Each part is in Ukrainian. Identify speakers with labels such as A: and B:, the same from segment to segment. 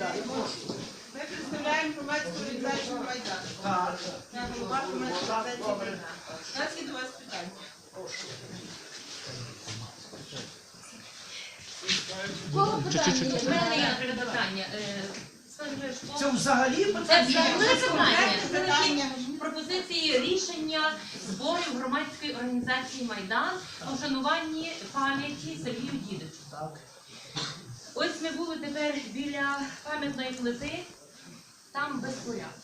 A: далі, прошу.
B: Ми представляємо громадську організацію Майдан.
A: Так.
B: Я голова громадської організації Майдан. У нас є до вас питання.
A: Прошу.
C: Кого питання?
D: У мене є питання.
A: Це взагалі
D: Це
A: питання.
D: питання.
B: Питання.
D: Пропозиції рішення зборів громадської організації Майдан по вшануванні пам'яті Сергію Дідичу.
A: Так.
D: Ось ми були тепер біля пам'ятної плити, там без порядку.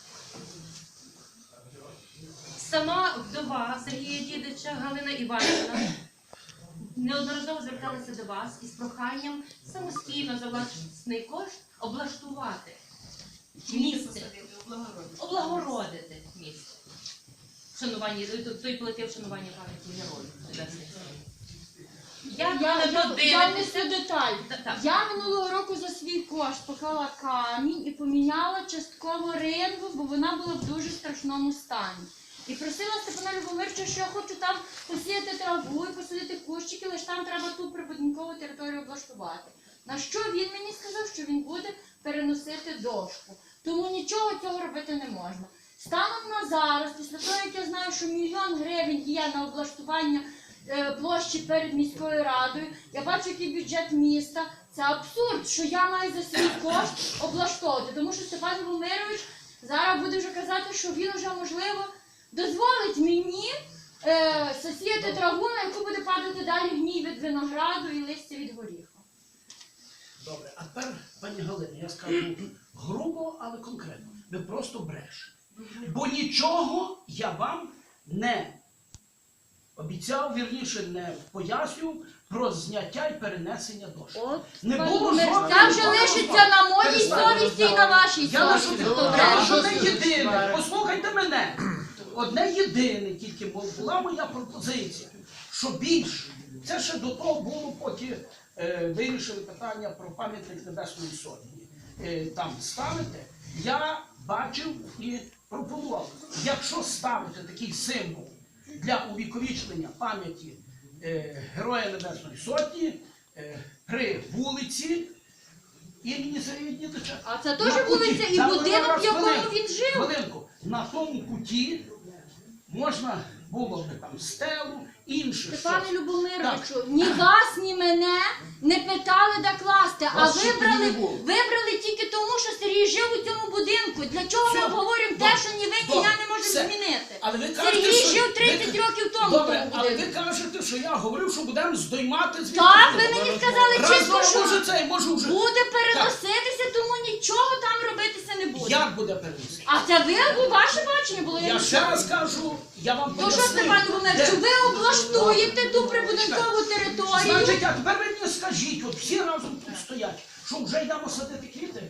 D: Сама вдова Сергія Дідича Галина Іванівна неодноразово зверталася до вас із проханням самостійно за власний кошт облаштувати місце, облагородити місце. Вшанування, той плити вшанування пам'яті героїв.
C: Я внесу деталь.
D: Так.
C: Я минулого року за свій кошт поклала камінь і поміняла частково ринву, бо вона була в дуже страшному стані. І просила Степана Любомировича, що я хочу там посіяти траву і посадити кущики, лише там треба ту прибудинкову територію облаштувати. На що він мені сказав, що він буде переносити дошку. Тому нічого цього робити не можна. Станом на зараз, після того, як я знаю, що 1 000 000 гривень є на облаштування площі перед міською радою, я бачу, який бюджет міста. Це абсурд, що я маю за свій кошт облаштовувати. Тому що Степан Любомирович зараз буде вже казати, що він вже, можливо, дозволить мені засіяти траву, на яку буде падати далі гній від винограду і листя від горіха.
A: Добре, а тепер, пані Галина, я скажу грубо, але конкретно. Ви просто брешете. Бо нічого я вам не обіцяв, вірніше, не пояснював про зняття і перенесення дошки. Не було жодного.
C: Це вже лишиться на моїй совісті і на вашій
A: Я
C: совісті.
A: лише одне єдине, послухайте мене, одне єдине тільки була моя пропозиція, що більше, це ще до того було, поки вирішили питання про пам'ятник Небесної Сотні. Там ставити, я бачив і пропонував, якщо ставити такий символ для увіковічення пам'яті Героя Небесної Сотні при вулиці імені Сергія Дідича.
C: А це теж вулиця і будинок, в якому він жив.
A: Хвилинку. На тому куті можна було б там стелу, інше щось.
C: Степане Любомировичу, ні вас, ні мене не питали, де класти, а вибрали тільки тому, що Сергій жив у цьому будинку. Для чого ми обговорюємо те, що ні ви, ні я не можемо змінити? Сергій жив 30 років тому в тому
A: Добре, але ви
C: будинку.
A: кажете, що я говорив, що будемо здоймати звідти.
C: Так, ви мені сказали чисто, що
A: може це, може вже.
C: буде переноситися, тому нічого там робитися не буде.
A: Як буде переносити?
C: А це ви, ваше бачення було?
A: Я ще раз кажу, я вам
C: То
A: пояснив.
C: що, Степан Любомирович, ви облаштуєте ту прибудинкову територію?
A: Значить, а тепер ви мені скажіть, от всі разом тут стоять, що вже йдемо садити квіти?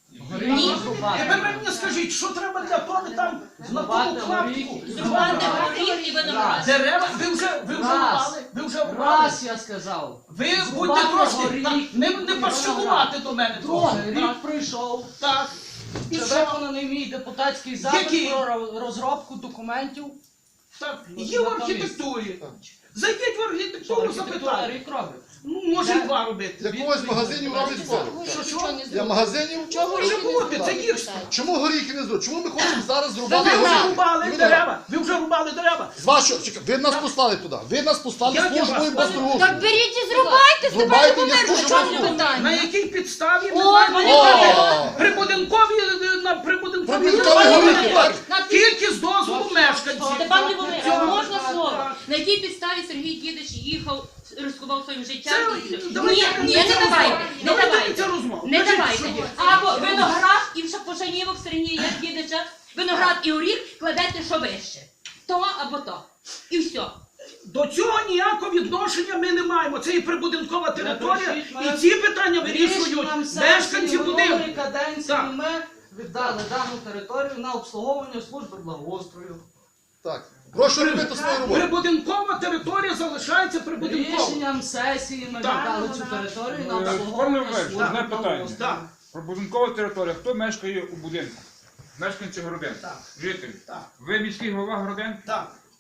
D: Ні.
A: Тепер ви мені скажіть, що треба для того там на тому клаптику?
D: Зрубати горіх і виноград.
A: Дерева, ви вже рубали? Ви вже рубали?
E: Раз я сказав.
A: Ви будьте трошки, так, не пащукувати до мене трохи.
E: Рік пройшов.
A: Так. І
E: Це
A: що?
E: виконаний мій депутатський
A: Який?
E: запит про розробку документів.
A: Так, є в архітектурі. Зайдіть в архітектуру,
E: Архітектура
A: запитайте.
E: рік робить.
A: Ну, може, і 2 робити.
F: Для когось магазинів роблять спору.
A: Що?
F: Для магазинів?
A: Може бути, це гірше.
F: Чому горіхи не зробити? Чому ми хочемо зараз
A: Ви
F: зробити
A: вже
F: горіхи?
A: рубали дерева. Ви вже рубали дерева.
F: З вашого, чекай, ви нас послали туди. Ви нас послали
A: Як я
F: службою
A: вас
F: безпорушення.
C: Так беріть і зрубайте, Степан
F: Зрубайте, я
C: Любомирович,
F: скажу
C: в чому
F: вам.
C: питання?
A: На якій підставі ми
C: О,
A: маємо
F: О!
A: прибудинкові
F: Прибудинкові горіхи, так?
A: тільки з дозволу мешканців.
D: Степан Любомирович, можна слово? На якій підставі Сергій Дідич їхав, ризикував своїм життям? Ні, не давайте, не давайте. Не давайте. Або виноград і пошанівок Сергія Дідича, виноград і горіх кладете що вище. То або то. І все.
A: До цього ніякого відношення ми не маємо. Це і прибудинкова територія, і ці питання вирішують мешканці будинку.
E: Каденції
A: Так.
E: ми віддали дану територію на обслуговування служби благоустрою.
F: Так. Прошу робити свою роботу.
A: Прибудинкова територія залишається прибудинковою.
E: Рішенням сесії ми
A: Так.
E: віддали цю територію на
G: Пане
E: обслуговування
G: Миколаївич,
E: служби
G: одне питання.
E: благоустрою.
A: Так,
G: Прибудинкова територія. Хто мешкає у будинку? Мешканці Городен.
A: Так.
G: Жителі.
A: так,
G: Ви міський голова Городен?
A: так.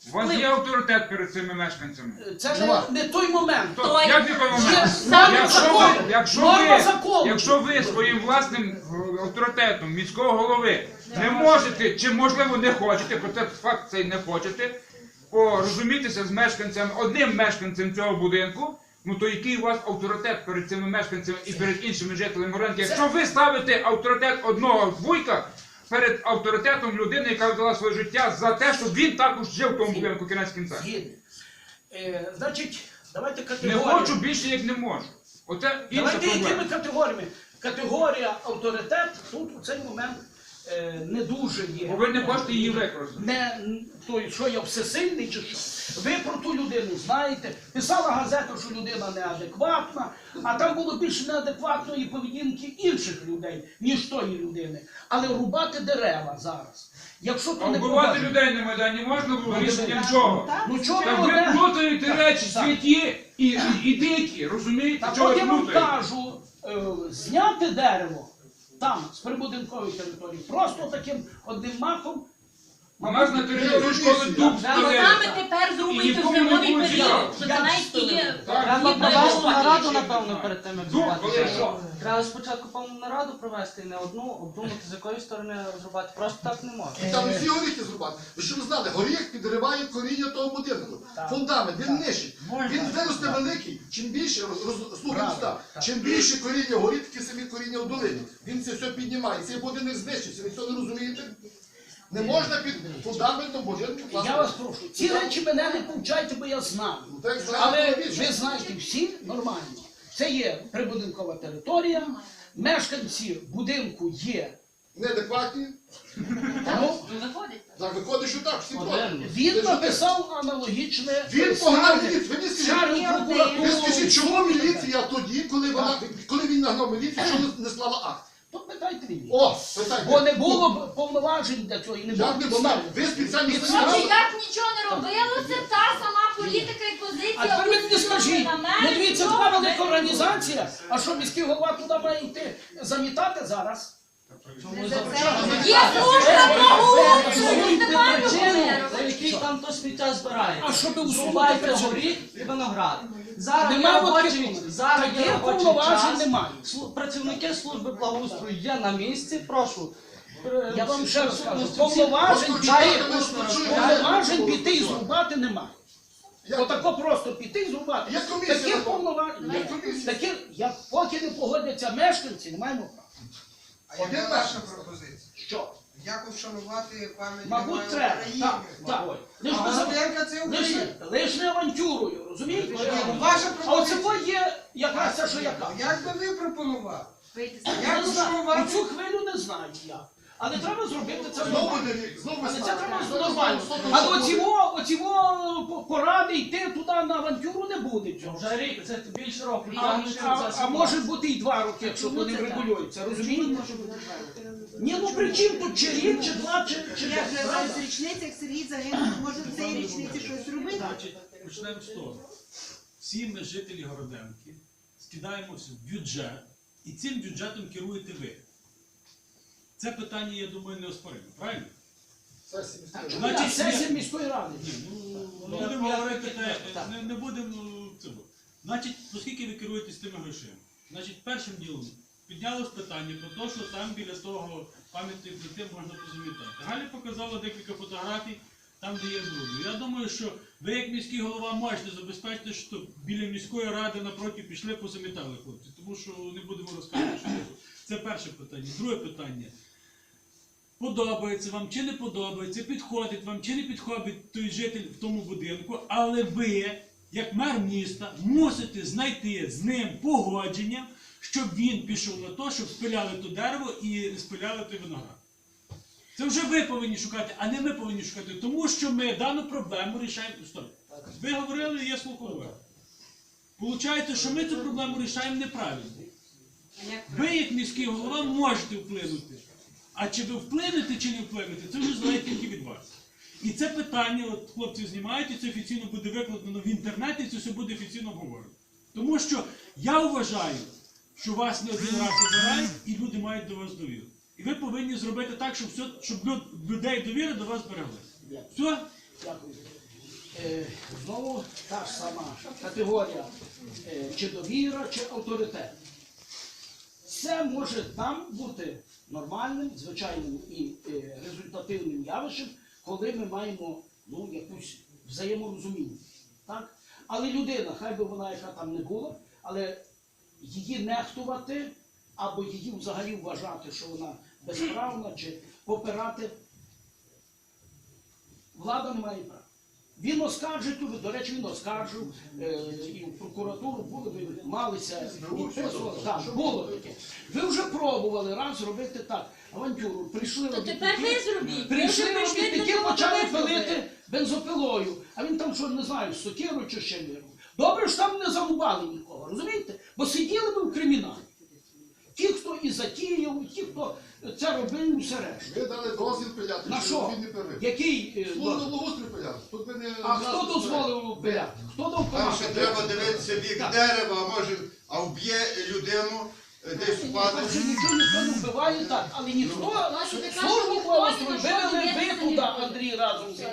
G: У вас є авторитет перед цими мешканцями?
A: Це
F: Нема.
A: не той момент.
D: Той.
G: Як не той момент?
A: Є закон. Норма закону.
G: Якщо ви своїм власним авторитетом міського голови не можете, чи можливо не хочете, про це факт цей не хочете, порозумітися з мешканцями, одним мешканцем цього будинку, ну то який у вас авторитет перед цими мешканцями і перед іншими жителями ринку? Якщо ви ставите авторитет одного вуйка перед авторитетом людини, яка віддала своє життя за те, щоб він також жив в тому будинку кінець кінця.
A: Згідний. Значить, давайте
G: Не
A: категорію.
G: хочу більше, як не можу. Оце інша
A: Давайте якими
G: проблема.
A: категоріями? Категорія авторитет тут у цей момент не дуже є.
G: Бо ви не хочете її використати.
A: Не той, що я всесильний чи що. Ви про ту людину знаєте. Pисала газета, що людина неадекватна, а там було більше неадекватної поведінки інших людей, ніж тої людини. Але рубати дерева зараз. Якщо то
G: А
A: не
G: вбивати
A: поважно.
G: людей на Майдані можна було рішенням чого?
A: Ну чого
G: Та
A: ви
G: ви
A: одне?
G: плутаєте речі святі і дикі, розумієте?
A: Так
G: Чого
A: от
G: ви
A: я вам
G: плутаєте?
A: кажу, зняти дерево там, з прибудинкової території, просто таким одним махом.
G: У нас на території школи дуб
D: Саме
G: стоїть.
D: тепер
G: І
D: зрубуйте
G: нікому не
D: зимовий
G: буде
D: період,
G: цікаво.
D: що це навіть і є.
E: Треба
D: є
E: провести
D: перебувати.
E: нараду, напевно, перед тим, як
G: Дуб,
E: зрубати.
G: коли що?
E: Треба спочатку повну нараду провести і не одну, обдумати, з якої сторони зрубати. Просто так не можна.
F: І там всі горіхи зрубати. Ви що ви знали, горіх підриває коріння того будинку. Фундамент, він нищить. Він виросте великий, чим більше, слухай уста, чим більше коріння горить, такі самі коріння в долині. Він це все піднімає, цей будинок знищиться, ви цього не розумієте? Не можна під фундаментом будинку класти.
A: Я вас прошу, ці речі мене не повчайте, бо я знаю.
F: Ну, так знаєте,
A: Але
F: більше.
A: ви знаєте всі нормально. Це є прибудинкова територія, мешканці будинку є.
F: Неадекватні.
A: Ну,
D: Виходить.
F: Так, виходить, що так, всі проти.
A: він написав аналогічне.
F: Він погнав міліцію. Ви мені
A: Скаргу
F: скажіть,
A: прокуратуру.
F: ви скажіть, чому міліція тоді, коли він нагнав міліцію, чому не склала акт?
A: То питайте мені.
F: О, питайте.
A: Бо не було б повноважень для цього і не було
F: Як не
A: підстав.
F: було? Ви спеціально
C: Отже,
F: сказали.
C: як нічого не робилося, та сама політика і
A: А
C: позиція
A: тепер ви мені скажіть,
C: на
A: ну
C: мене,
A: дивіться,
C: нічого
A: така
C: не
A: велика організація, а що міський голова туди має йти замітати зараз?
C: Є служба благоустрою, немає
E: За який там то сміття збирає.
A: А щоб усунути
E: Зрубайте
A: причину?
E: горіх і виноград. Зараз є
A: Нема
E: робочий,
A: таких
E: зараз є
A: таких
E: робочий
A: повноважень
E: час.
A: немає.
E: Працівники служби благоустрою є на місці, прошу.
A: Я вам ще раз кажу,
E: Всі-
A: повноважень
F: Дайте
A: піти,
F: ми розпочуємо.
A: повноважень піти і зрубати немає.
F: Як?
A: Отако просто піти і зрубати.
F: Є комісія
A: Таких
F: на то.
A: повноважень.
F: Є комісія.
A: Таких, як поки не погодяться мешканці, не маємо права.
H: А яка
F: Один
H: ваша
F: наш.
H: пропозиція?
A: Що?
H: Як вшанувати пам'ять
A: Мабуть,
H: Героїв
A: треба.
H: України?
A: Так. Лиш
H: А
A: не за-
H: Володимирка це Україна.
A: лиш не авантюрою, розумієте?
H: Ну, ваша
A: А оце
H: пропозиція.
A: є якраз це, що я кажу.
H: Як би ви пропонували?
A: Я
H: Як
A: не знаю,
H: вшанувати?
A: цю хвилю не знаю я. Але треба зробити це
F: Знову
A: нормально.
F: буде рік, знову
A: Але це
F: весна.
A: треба
F: Знову
A: нормально.
F: знову
A: А
F: знову
A: оціво поради йти туди на авантюру не буде цього.
E: Вже рік, це більше року.
A: А може бути і 2 роки, якщо то не врегулюється, розумієте? Ні, ну при чим тут чи рік, чи 2, чи
B: Як
A: 5,
B: на
A: правда?
B: річницях Сергій загинув, може в цій річниці щось робити?
I: Значить, почнемо з того. Всі ми, жителі Городенки, скидаємося в бюджет, і цим бюджетом керуєте ви. Це питання, я думаю, не оспоримо, правильно?
F: Сесії міської ради.
I: Значить,
A: Сесія міської ради.
I: Ні, ну, не будемо говорити, не будемо цього. Значить, оскільки ви керуєтесь тими грошима, значить, першим ділом піднялось питання про те, що там біля того пам'ятної плити можна позамітати. Галя показала декілька фотографій, там, де є зроблено. Я думаю, що ви, як міський голова, можете забезпечити, що біля міської ради напроти пішли, позамітали хлопці. Тому що не будемо розказувати, що було. Це перше питання. Друге питання. Подобається вам чи не подобається, підходить вам чи не підходить той житель в тому будинку, але ви, як мер міста, мусите знайти з ним погодження, щоб він пішов на те, щоб спиляли то дерево і спиляли той виноград. Це вже ви повинні шукати, а не ми повинні шукати, тому що ми дану проблему рішаємо. Стоп. Ви говорили, я слухав. Получається, що ми цю проблему рішаємо неправильно. Ви, як міський голова, можете вплинути. А чи ви вплинете, чи не вплинете, це вже залежить тільки від вас. І це питання, от хлопці знімають, і це офіційно буде викладено в інтернеті, і це все буде офіційно обговорено. Тому що я вважаю, що вас не один раз обирають, і люди мають до вас довіру. І ви повинні зробити так, щоб людей довіри до вас берегли. Все?
A: Дякую. Знову та ж сама категорія, чи довіра, чи авторитет. Це може там бути нормальним, звичайним і результативним явищем, коли ми маємо якусь взаєморозуміння. Так? Але людина, хай би вона яка там не була, але її нехтувати або її взагалі вважати, що вона безправна, чи попирати, влада не має права. Він оскаржить, до речі, він оскаржив, і в прокуратуру були, ви малися, підписували. Так, було таке. Ви вже пробували раз зробити так, авантюру, прийшли
C: То тепер ви зробіть.
A: прийшли
C: Ви вже
A: робітники,
C: прийшли,
A: почали
C: ви зробили.
A: пилити бензопилою, а він там, що не знаю, з сокирою чи ще вирвав. Добре, що там не зарубали нікого, розумієте? Бо сиділи би в криміналі. Ті, хто і затіяв, ті, хто це робив, і все решта.
F: Ви дали дозвіл пиляти,
A: На що?
F: він не пилив.
A: Який?
F: Служба благоустрою пиляти. Тут ми не...
A: А хто дозволив пиляти? Хто дав
J: Там ще
A: команду?
J: треба дивитися вік дерева, а може, а вб'є людину, десь
A: Там
J: впаде.
A: вже нічого ніхто не вбиває, так, але ніхто
C: Власне, ти кажеш,
A: службу
C: ніхто
A: благоустрою
C: ні про що
A: вивели
C: не
A: ви
C: в'язаний.
A: туди, Андрій, разом з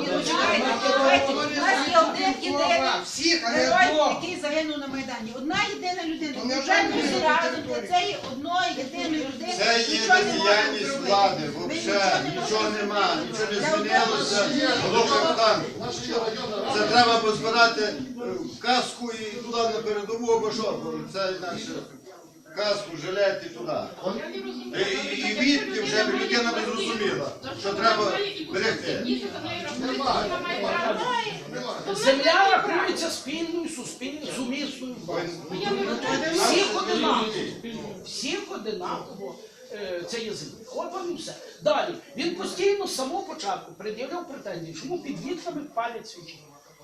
B: У нас є один єдиний
H: Всіх, але
B: герой,
H: одного.
B: який загинув на Майдані. Одна єдина людина.
H: То не
B: Вже
H: вже
B: всі
H: ми
B: разом
H: говоримо.
B: для цієї одної єдиної людини.
J: Це є
B: нічого не можемо
J: бездіяльність
B: зробити.
J: влади,
B: Ми
J: взагалі, нічого нема, нічого не змінилося.
F: Наша є районна
J: Це
F: рада.
J: треба позбирати каску і туди на передову або що, бо це інакше каску, жилет і туди. І відки вже б людина не зрозуміла, що треба берегти.
A: Земля рахується спільною, суспільною, сумісною власністю. Всіх одинаково. Всіх одинаково це є земля. От вам і все. Далі. Він постійно з самого початку пред'являв претензії, чому під вікнами палять свічі.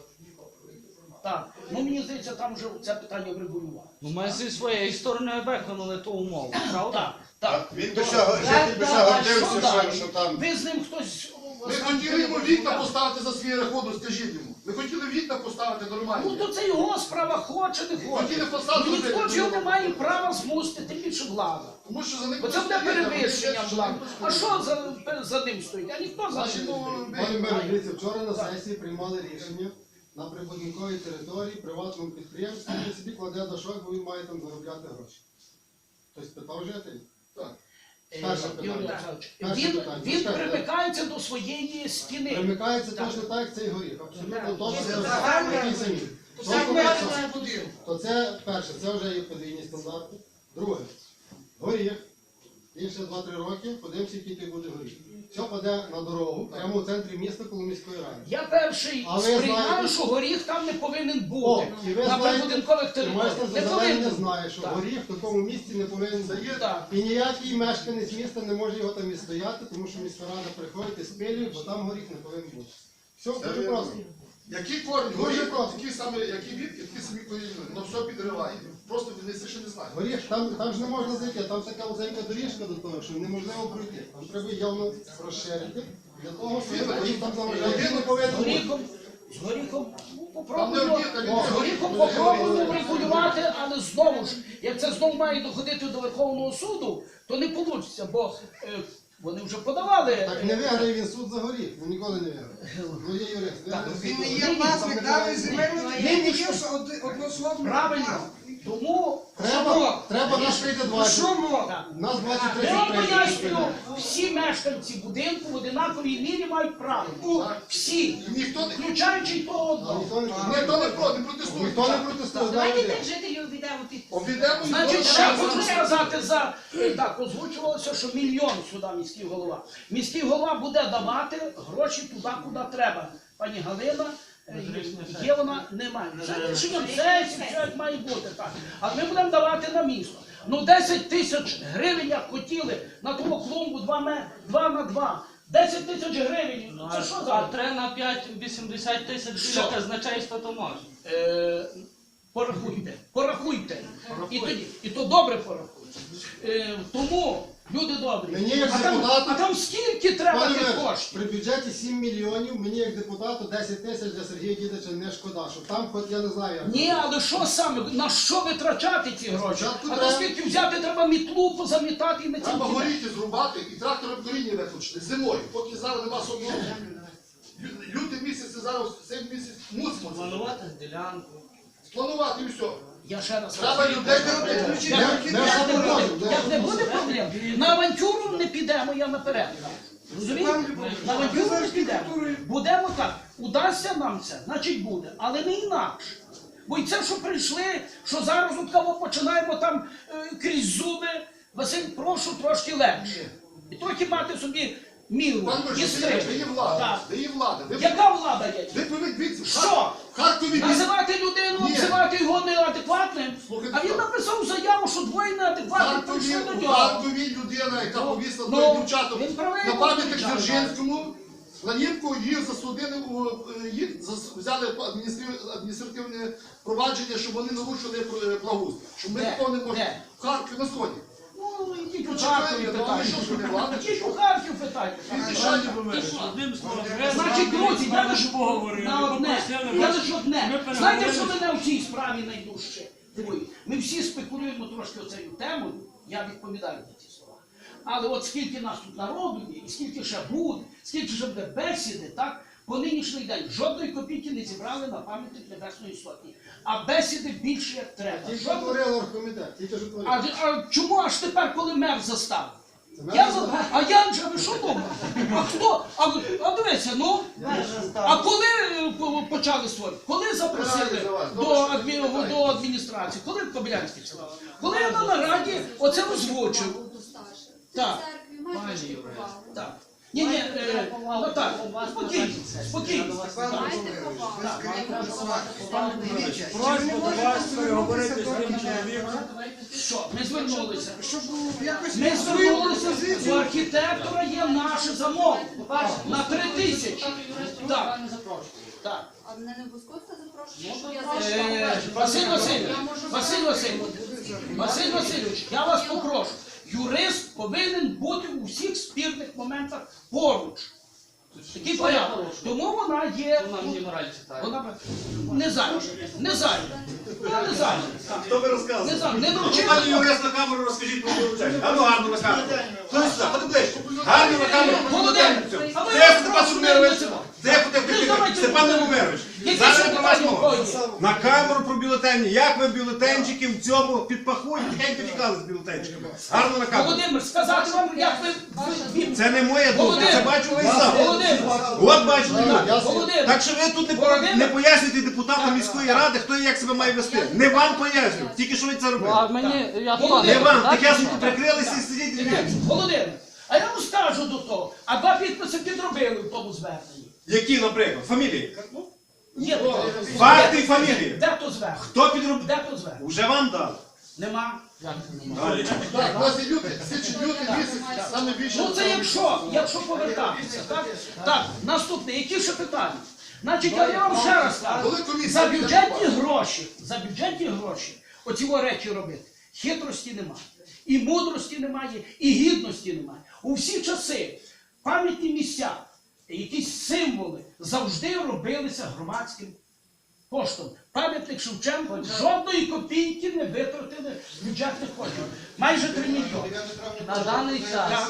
A: Так. Ну мені здається, там вже це питання врегулювали.
E: Ну ми зі своєї сторони виконали ту умову, правда?
A: Так, так.
J: Він би ще житель би ще гордився, що там.
A: Ви з ним хтось...
F: Ми хотіли йому вікна поставити за свій рахунок, скажіть йому. Ми хотіли вікна поставити
A: Ну
F: нормальні.
A: то це його справа, хоче, не хоче.
F: Хотіли фасад
A: Ну, ніхто
F: зробити.
A: ж його не має права змусити, тим більше влада.
F: Тому що за них...
A: Бо це буде перевищення влади. А що за ним стоїть? А ніхто за
F: Значить,
A: ним.
K: Пане мере, дивіться, вчора на сесії приймали рішення на прибудинковій території, приватному підприємстві, він собі кладе дошок, бо він має там заробляти гроші. Хтось питав жителів?
F: Так.
K: Перше питання.
A: Юрій Олександрович,
K: Перше
A: Він
K: питання.
A: примикається до своєї стіни.
K: Примикається
A: Так.
K: точно так, як цей горіх. Абсолютно точно
H: Це
K: так,
H: загальне.
K: такий самі.
H: Так ми це будинок.
K: То це перше, це вже є подвійні стандарти. Друге, горіх. Він ще 2-3 роки, подивимося, який буде горіх. Все паде на дорогу, прямо в центрі міста коло міської ради.
A: Я перший
K: А ви
A: сприймаю,
K: знаєте-
A: що горіх там не повинен
K: О,
A: бути.
K: і ви
A: На
K: знаєте,
A: прибудинкових
K: майстер
A: територіях. Не
K: Зазелений
A: повинен.
K: не знає, що
A: Так.
K: горіх в такому місці не повинен бути.
A: Так.
K: І ніякий мешканець міста не може його там і стояти, тому що міська рада приходить і спилює, бо там горіх не повинен бути. Все, дуже
F: вірно.
K: просто.
F: Які корні,
K: Дуже
F: горіх,
K: просто.
F: такі самі, які вітки, такі самі коріння, воно все підриває. Просто він ще не знає.
K: Горіх, там ж не можна зайти, там така вузенька доріжка до того, що неможливо пройти. Там треба явно розширити, для того, щоб горіх там заважає. Він не повинен бути.
A: З горіхом, ну,
F: Там не
A: попробуємо.
F: одні, там
K: О,
F: і
A: З горіхом
F: дві.
A: попробуємо регулювати, але знову ж, як це знову має доходити до Верховного суду, то не вийде, бо вони вже подавали.
K: Так не виграє він суд за горіх, він ніколи не виграє. Ну є юрист, виграє суд
H: Він
K: за
H: не
K: горіх.
H: є власник даної земельної
A: Він
H: ділянки,
A: не
H: є однословно.
A: Правильно. Тому
K: Треба нас прийти 20.
H: Шумо!
A: так.
K: Нас
A: Я
K: 23
A: вам
K: прийде.
A: пояснюю, всі мешканці будинку в одинаковій мірі мають право. Всі,
F: Ніхто не
A: включаючи й того
K: А
A: одного.
K: ніхто не
F: протестує.
K: Ніхто не протестує.
B: Давайте
K: да,
B: тих жителів обійдемо підпис.
F: Обійдемо і
A: Значить,
F: знову
A: ще
F: раз.
A: хочу сказати за так, озвучувалося, що мільйон сюди міський голова. Міський голова буде давати гроші туди, куди треба. Пані Галина, є вона, немає. Це рішення сесії, все як має бути. Так. А ми будемо давати на місто. Ну 10 тисяч гривень, як хотіли, на тому клумбу 2 на 2. 10 тисяч гривень, це що
E: А
A: за?
E: 3 на 5 80 тисяч
A: Що?
E: біля казначейства то може.
A: Порахуйте, порахуйте. І то добре порахуйте. Тому, люди добрі,
K: Мені як
A: а там,
K: депутату-
A: а там скільки треба
K: Пане
A: тих
K: Мер,
A: коштів?
K: при бюджеті 7 мільйонів, мені як депутату 10 тисяч для Сергія Дідича не шкода, щоб там хоч я не знаю як.
A: Ні, але що саме, на що витрачати ці гроші?
K: Спочатку
A: А то
K: треба-
A: скільки взяти, треба мітлу позамітати і на
F: Треба
A: цілки.
F: горіхи зрубати і трактором коріння виключити зимою, поки зараз нема собою. Лютий місяць і зараз цей місяць мусимо це
E: Планувати ділянку.
F: спланувати і все.
A: Я ще раз
F: Треба людей
A: як не буде проблем, на авантюру не підемо, я наперед. Розумієте? На авантюру не підемо. Будемо так. Удасться нам це, значить буде. Але не інакше. Бо і це, що прийшли, що зараз от кого починаємо там крізь зуби. Василь, прошу трошки легше. І трохи мати собі міру.
F: Пан
A: І
F: Борисович,
A: стрим.
F: де є влада?
A: Так.
F: Де є влада?
A: Яка влада є?
F: Ви повідоміть,
A: Що?
F: в Харкові
A: Називати людину,
F: Ні.
A: обзивати його неадекватним.
F: Слухайте,
A: А він написав заяву, що двоє неадекватних прийшли до
F: в
A: нього.
F: Харкові людина, яка повісла
A: ну,
F: двоє дівчаток
A: він правий,
F: на пам'ятник
A: дівчата.
F: Дзержинському, Ланівку, її засудили, їх взяли адміністративне провадження, щоб вони нарушили благоустрій. Щоб ми
A: Де?
F: такого не можемо.
A: Де?
F: В Харкові на сході.
A: Ну, ідіть у
F: Почекайте,
A: Харків
F: ну, ви що, що не
A: питання.
F: влада?
A: Ідіть у Харків питання.
I: Одним словом,
A: Значить, друзі, я лише
I: поговорили,
A: на одне.
I: попросили
A: Я
I: вас,
A: лише одне.
I: ми
A: Знаєте, що
I: переговорили.
A: мене в цій справі найдужче дивує? Ми всі спекулюємо трошки оцею темою, я відповідаю за ці слова. Але от скільки нас тут народу є, і скільки ще буде, скільки ще буде бесіди, так? По нинішній день жодної копійки не зібрали на пам'ятник Небесної Сотні. А бесіди більше як треба.
K: Тільки
A: Жодної-
K: творили оргкомітет, тільки що творили.
A: А чому аж тепер, коли мер заставив?
K: мер
A: Я
K: заставив.
A: а я вже ви що думаєте? А хто? А дивіться, ну. А коли почали створити? Коли запросили до адміністрації? Коли Кобилянський сказав? Коли я на нараді оце озвучив. Так. Так. Ні, ну так, спокійно, спокійно.
I: просьба до вас переговорити з тим чоловіком.
A: Що? Ми звернулися.
H: Щоб якось
A: Ми звернулися, у архітектора є наше замовлення на 3000. Так. Так.
B: А мене не обов'язково це запрошує, щоб я зайшла.
A: Василь Васильович, Василь Васильович, я вас попрошу. Юрист повинен бути у всіх спірних моментах поруч. Такий порядок. Тому вона є.
E: Вона мені мораль читає.
A: Вона не зайнята. Не зайнята. Вона не зайнята.
J: Хто ви
A: Не
J: розказує?
A: зайнята. Не
J: Пані
A: навчила.
J: юрист на камеру розкажіть про вилучення. Гарно, гарно на камеру. Хто сюди? Ходи ближче. Гарно на камеру.
A: Володимир, а ви
J: Це
A: нас
J: Степан
A: просто
J: Сумирович.
A: не цього.
J: Це
A: Ви давайте
J: Степан
A: мову.
J: Любомирович.
A: Які
J: Зараз
A: ще
J: про вас
A: питання в
J: мова.
A: кого є?
J: На камеру про бюлетені. Як ви бюлетенчики в цьому підпахує? Тихенько тікали з бюлетенчиками. Гарно на камеру.
A: Володимир, сказати вам, як ви...
J: Це не моя думка, це бачу ви сам.
A: Володимир,
J: От бачите люди.
A: Володимир,
J: Так що ви тут не пояснюєте депутатам міської ради, хто і як себе має вести. Не вам поясню, тільки що ви це робите.
E: А мені, я
A: Володимир,
J: Не вам, так я собі прикрилися і сидіть дивіться.
A: Володимир, а я вам скажу до того, а два підписи підробили в тому зверненні.
J: Які, наприклад, фамілії?
A: Є.
J: Факти і фамілії.
A: Де то звернення?
J: Хто підробив?
A: Де то звернення?
J: Уже вам дали.
A: Нема.
F: Так, у нас є лютий, лютий місяць, саме більше.
A: Ну це якщо повертатися, так? Так, наступне, які ще питання? Значить, я вам ще раз
F: Коли
A: кажу,
F: комісія
A: за
F: піде
A: бюджетні гроші, оці речі робити, хитрості немає, і мудрості немає, і гідності немає. У всі часи пам'ятні місця, якісь символи завжди робилися громадським коштом. Пам'ятник Шевченко жодної копійки не витратили з бюджетних коштів. Майже 3 мільйони.
E: на даний час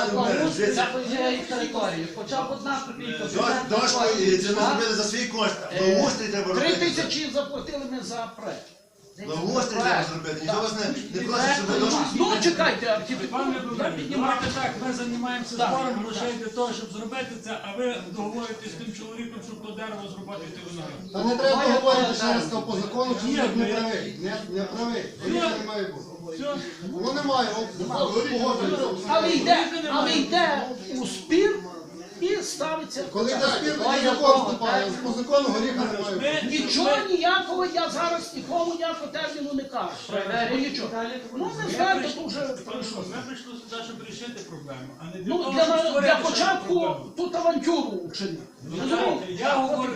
E: це подія і території. Хоча б одна копійка.
J: Дошку це ми зробили за свій кошт. Благоустрій треба
A: 3
J: робити.
A: тисячі заплатили ми за проект.
J: Благоустрій треба зробити. Ніхто вас не просить, щоб ви дошку.
A: Ну чекайте,
I: Пане
A: архітектура
I: Володимир,
A: піднімати.
I: давайте так, ми займаємося
A: Так.
I: збором грошей для того, щоб зробити це, а ви договоритесь з тим чоловіком, щоб то дерево зрубати і ти виноград.
K: Та не треба говорити, що я сказав по закону, що чоловік не правий. Не правий. Горіха не має бути.
I: Все.
K: Воно немає, погоджується.
A: Але йде у спір і ставиться.
K: Коли йде спір, тоді закон вступає. По закону горіха не має бути.
A: Нічого ніякого, я зараз нікому ніякого терміну не кажу. Ну нічого. Ну не знаєте, то вже пройшло.
I: Ми прийшли сюди, щоб рішити проблему, а не для
A: Ну
I: того, щоб
A: для
I: створити ще
A: початку
I: проблему.
A: тут авантюру вчинити.
I: Знаєте, я говорю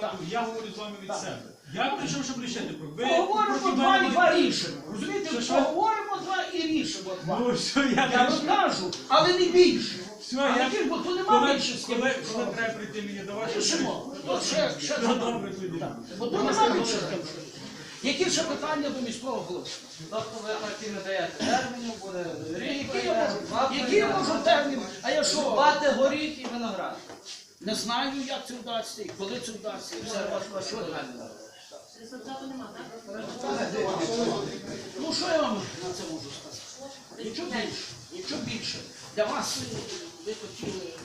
I: з вами від себе. Я прийшов, щоб рішити проблему.
A: Поговоримо два і два рішимо. Розумієте, поговоримо два і рішимо два.
I: Ну все,
A: Я
I: я
A: розкажу, але не більше.
I: Все,
A: А
I: я
A: яких, бо то нема більше з ким.
I: коли треба прийти мені до вашого
A: Рішимо. То ще
I: Ну, добре тоді.
A: Бо то нема більше з ким. Які ще питання до міського голови?
E: Тобто ви такі не даєте терміну, буде рік,
A: Які я можу термін? А я що?
E: Бати горіх і виноград.
A: Не знаю, як це вдасться, і коли це вдасться, і все важко, що далі.
B: Результату нема, так?
A: Ну що я вам на це можу сказати? Нічого більше, нічого більше. Для вас ви хотіли